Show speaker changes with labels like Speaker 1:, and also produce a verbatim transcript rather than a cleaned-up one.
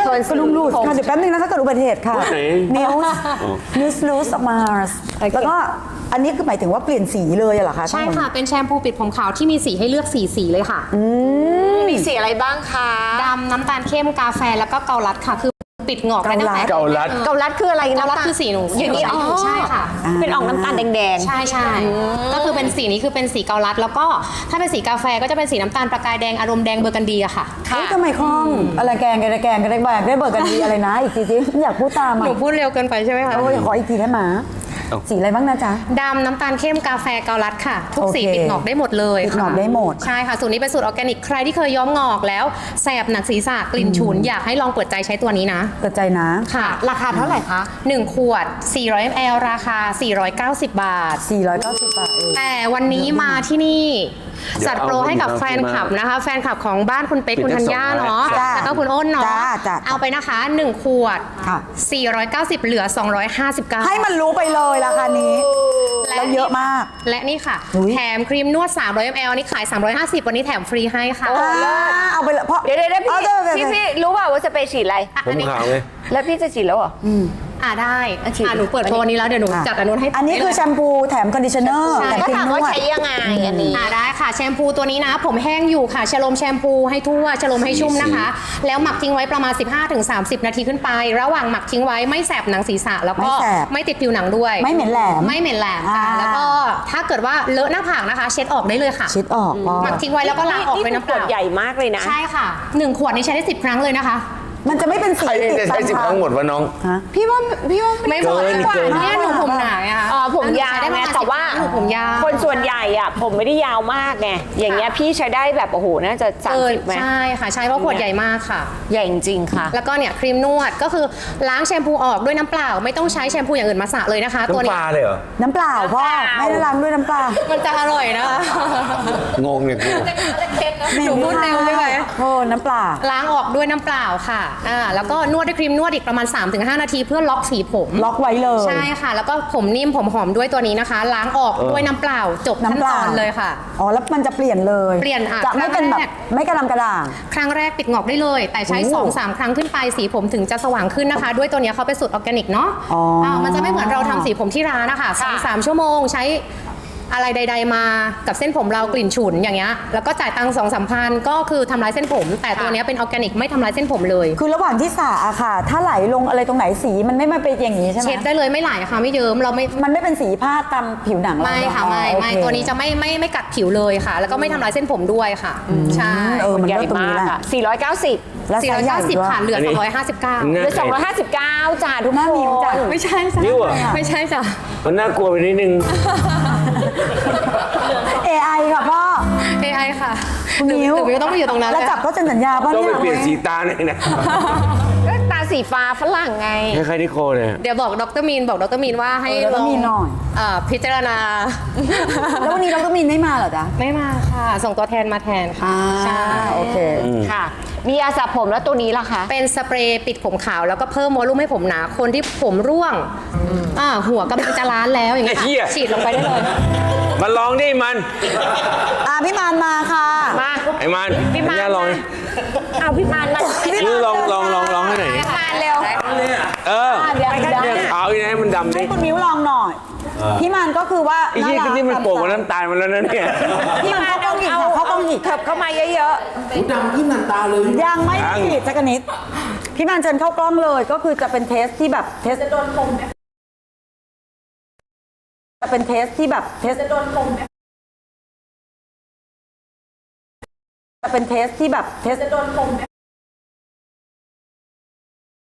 Speaker 1: ตัวเป็นลุ่มรูดค่ะเดี๋ยวแป๊บนึงนะถ้าเกิดอุบัติเหตุค่ะนิวส์นิวส์ลูสมาร์สแล้วก็อันนี้คือหมายถึงว่าเปลี่ยนสีเลยเหรอคะ
Speaker 2: ใช่ค่ะเป็นแชมพูปิดผมขาวที่มีสีให้เลือกสีสีเลยค่ะ
Speaker 3: มีสีอะไรบ้างคะ
Speaker 2: ดำน้ำตาลเข้มกาแฟแล้วก็เกาลัดค่ะคือปิดหงอกได้ตั้งแต่
Speaker 4: เกาลัด
Speaker 3: เกาลัดคืออะไร
Speaker 2: เกาลัดคือสีหนูอย่างนี้ใช่ค่ะ
Speaker 3: เป็นออกน้ำตาลแดงๆ
Speaker 2: ใช่ใช่ก็คือเป็นสีนี้คือเป็นสีเกาลัดแล้วก็ถ้าเป็นสีกาแฟก็จะเป็นสีน้ำตาลประกายแดงอารมณ์แดงเบอร์กันดีอะค่ะ
Speaker 1: เฮ้ยทำไมคล่องอะไรแกงกันแกงกันได้แบบได้เบิกกันดีอะไรนะอีกทีสิอยากพูดตามอ่ะ
Speaker 2: หนูพูดเร็วเกินไปใช่ไหมคะ
Speaker 1: โอ้ยขออีกทีได้ไหมสีอะไรบ้างนะจ๊ะ
Speaker 2: ดำน้ำตาลเข้มกาแฟเกาลัดค่ะทุกสีปิดหงอกได้หมดเลย
Speaker 1: ปิดหงอกได้หมด
Speaker 2: ใช่ค่ะสูตรนี้เป็นสูตรออร์แกนิกใครที่เคยย้อมงอกแล้วแสบหนักศีรษะกลิ่นฉุนอยากให้ลองเปิดใจใช้ตัวนี้นะ
Speaker 1: เปิดใจนะ
Speaker 2: ค่ะ
Speaker 3: ราคาเท่าไหร่คะ
Speaker 2: หนึ่งขวดสี่ร้อยมิลลิลิตรราคาสี่ร้อยเก้าสิบบาท
Speaker 1: สี่ร้อยเก้าสิบบาทเอง
Speaker 2: แต่วันนี้มาที่นี่จัดโปรให้กับแฟนคลับนะคะแฟนคลับของบ้านคุณเป๊กคุณธัญญาเนาะแล้วก็คุณอ้นเนาะเอาไปนะคะหนึ่งขวดสี่ร้อยเก้าสิบเหลือสองร้อยห้าสิบเก้า
Speaker 1: ให้มันรู้ไปเลยราคานี้แล้วเยอะมาก
Speaker 2: และนี่ค่ะแถมครีมนวดสามร้อยมิลลิลิตรนี่ขายสามร้อยห้าสิบวันนี้แถมฟรีให้ค่ะ
Speaker 1: เอาไปเลยเพราะ
Speaker 3: เดี๋ยวเดี๋ยวพี่พี่รู้เปล่าว่าจะไปฉีดอะไร
Speaker 4: ผมขาวเลย
Speaker 3: แล้วพี่จะฉีดแล้วเหรอ
Speaker 2: อ่าได้อ่าหนูเปิดโปรนี้แล้วเดี๋ยวหนูจัดอันนู้นให้
Speaker 1: อันนี้คือแชมพูแถมคอนดิชเนอร์
Speaker 3: แต่ก็ถามว่าใช้ยังไงอันนี้
Speaker 2: อ่าได้ค่ะแชมพูตัวนี้นะผมแห้งอยู่ค่ะชโลมแชมพูให้ทั่วชโลมให้ชุ่มนะคะแล้วหมักทิ้งไว้ประมาณ สิบห้าถึงสามสิบ นาทีขึ้นไประหว่างหมักทิ้งไว้ไม่แสบหนังศีรษะแล้วก็ไม่ติดผิวหนังด้วย
Speaker 1: ไม่เหม็นแหลม
Speaker 2: ไม่เหม็นแหลมค่ะแล้วก็ถ้าเกิดว่าเลอะหน้าผากนะคะเช็ดออกได้เลยค่ะ
Speaker 1: เช็ดออก
Speaker 2: หมักทิ้งไว้แล้วก็ล้างออกเป็นน้ำเปล่า
Speaker 3: ใหญ่มากเลยนะ
Speaker 2: ใช่ค่ะหนึ่งขวดนี้ใช้ได้สิบครั้งเลยนะคะ
Speaker 1: มันจะไม่เป็นสี
Speaker 4: ติดตามใช้สิบครั้งหมดวะน้อง
Speaker 3: พี่ว่าพี่ว่า
Speaker 2: ไม่หมดเนี่ยหนูผมหนาไงคะ
Speaker 3: อ๋อผมยาวไงแต่ว่า
Speaker 2: ผมยาว
Speaker 3: คนส่วนใหญ่อ่ะผมไม่ได้ยาวมากไงอย่างเงี้ยพี่ใช้ได้แบบโอ้โหน่าจะสามสิบไหม
Speaker 2: ใช่ค่ะใช่เพราะขวดใหญ่มากค่ะ
Speaker 3: ใหญ่จริงค่ะ
Speaker 2: แล้วก็เนี่ยครีมนวดก็คือล้างแชมพูออกด้วยน้ำเปล่าไม่ต้องใช้แชมพูอย่างอื่นมาสระเลยนะคะ
Speaker 4: ตัวนี้น้ำปลาเลยเหรอ
Speaker 1: น้ำเปล่าพ่อไม่ได้ล้างด้วยน้ำเปล่า
Speaker 2: มันจะอร่อยนะคะ
Speaker 4: งงเนี่ยกู
Speaker 2: หนูพูดเร็วไม่ไหว
Speaker 1: โอ้น้ำเปล่า
Speaker 2: ล้างออกด้วยน้ำเปล่าค่ะอ่าแล้วก็นวดด้วยครีมนวดอีกประมาณ สามถึงห้า นาทีเพื่อล็อกสีผม
Speaker 1: ล็อกไว้เลย
Speaker 2: ใช่ค่ะแล้วก็ผมนิ่มผมหอมด้วยตัวนี้นะคะล้างออกด้วยน้ำเปล่าจบขั้นตอนเลยค่ะ
Speaker 1: อ๋อแล้วมันจะเปลี่ยนเลย
Speaker 2: เปลี่ยน
Speaker 1: จะไม่เป็นแบบไม่กระดำกระด่าง
Speaker 2: ครั้งแรกปิดงอกได้เลยแต่ใช้ สองถึงสาม ครั้งขึ้นไปสีผมถึงจะสว่างขึ้นนะคะด้วยตัวนี้เขาเป็นสูตรออร์แกนิกเนาะอ๋อมันจะไม่เหมือนเราทำสีผมที่ร้านนะคะ สองถึงสาม ชั่วโมงใช้อะไรใดๆมากับเส้นผมเรากลิ่นฉุนอย่างเงี้ยแล้วก็จ่ายตังค์สองสามพันก็คือทำลายเส้นผมแต่ตัวนี้เป็นออร์แกนิกไม่ทำลายเส้นผมเลย
Speaker 1: คือระหว่างที่สระอะค่ะถ้าไหลลงอะไรตรงไหนสีมันไม่มาเป็นอย่างนี้ใช่ไหม
Speaker 2: เช็ดได้เลยไม่ไหลค่ะไม่เยิ้มเราไม่
Speaker 1: มันไม่เป็นสีผ้าตามผิวหนัง
Speaker 2: ไม่ค่ะไม่ไม่ตัวนี้จะไม่ไม่ไม่กัดผิวเลยค่ะแล้วก็ไม่ทำลายเส้นผมด้วยค่ะใช่
Speaker 1: เออมันใหญ่มาก
Speaker 3: ค่ะสี่ร้อยเก้าสิบ
Speaker 1: แล้ว
Speaker 2: สี่ร้อยเก้าสิบค่ะเหลือสองร้อยห้าสิบเก้า
Speaker 3: เหลือสองร้อยห้าสิบเก้าจ้าทุกคน
Speaker 2: ไม่ใช่จ้ะไม่ใช่จ้ะ
Speaker 4: มันน่ากลัวไปนิดนึง
Speaker 1: เอ ไอ ค่ะพ่อ
Speaker 2: เอ ไอ ค่ะ
Speaker 1: คุณนิ้ว
Speaker 2: หรือต้องไปอยู่ตรงนั้น
Speaker 1: แล้วจับก็เซ็นสัญญาป่ะ
Speaker 4: เนี่ย
Speaker 1: ต้อง
Speaker 4: ไปเปลี่ยนสีตาหน่อยนะ
Speaker 3: ก็ตาสีฟ้าฝรั่งไง
Speaker 4: คล้ายๆนิโคเนี่ย
Speaker 2: เดี๋ยวบอกดรมีนบอกดรมีนว่าให้
Speaker 1: ดรมีนหน่อย
Speaker 2: พิจารณา
Speaker 1: แล้ววันนี้ดรมีนไม่มาเหรอจ๊ะ
Speaker 2: ไม่มาค่ะส่งตัวแทนมาแทนค่ะ
Speaker 1: ใช่โอเค
Speaker 3: ค่ะมียาสระผมแล้วตัวนี้ล่ะคะ
Speaker 2: เป็นสเปรย์ปิดผมขาวแล้วก็เพิ่มวอลลุ่มให้ผมหนาคนที่ผมร่วงอ่าหัวกำลังจะล้านแล้วอย่างเงี้ยฉีดลงไปได้เลย
Speaker 4: มาลองดิมัน
Speaker 1: อ่าพี่มานมาค่ะ
Speaker 3: มา
Speaker 4: ไอ้มัน
Speaker 3: พี่มาน
Speaker 4: ลอง
Speaker 3: เอาพี่มานมา
Speaker 4: นี่ลองลองลองลองให้หน่อย
Speaker 3: พี่มานเร็ว
Speaker 4: เออเนี่ยขาวอีกนะมันดำ
Speaker 1: ให้คุณมิ้วลองหน่อยพี่มันก็คือว่า
Speaker 4: ไอ้ยี่นี่มันโป่งกับน้ำตาลมาแล้วนะเนี่ย
Speaker 1: พี่มันเขาต้องหยิบเขาต้องหยิบ
Speaker 3: เถิบเข้ามาเยอะ
Speaker 4: ๆดำขึ้นน้ำตาเลย
Speaker 1: ยังไม่ได้หยิบสักนิดพี่มันเชิญเข้ากล้องเลยก็คือจะเป็นเทสที่แบบเทสจะโดนคมจะเป็นเทสที่แบบเทสจะโดนคมจะเป็นเทสที่แบบเทสจะโดนคม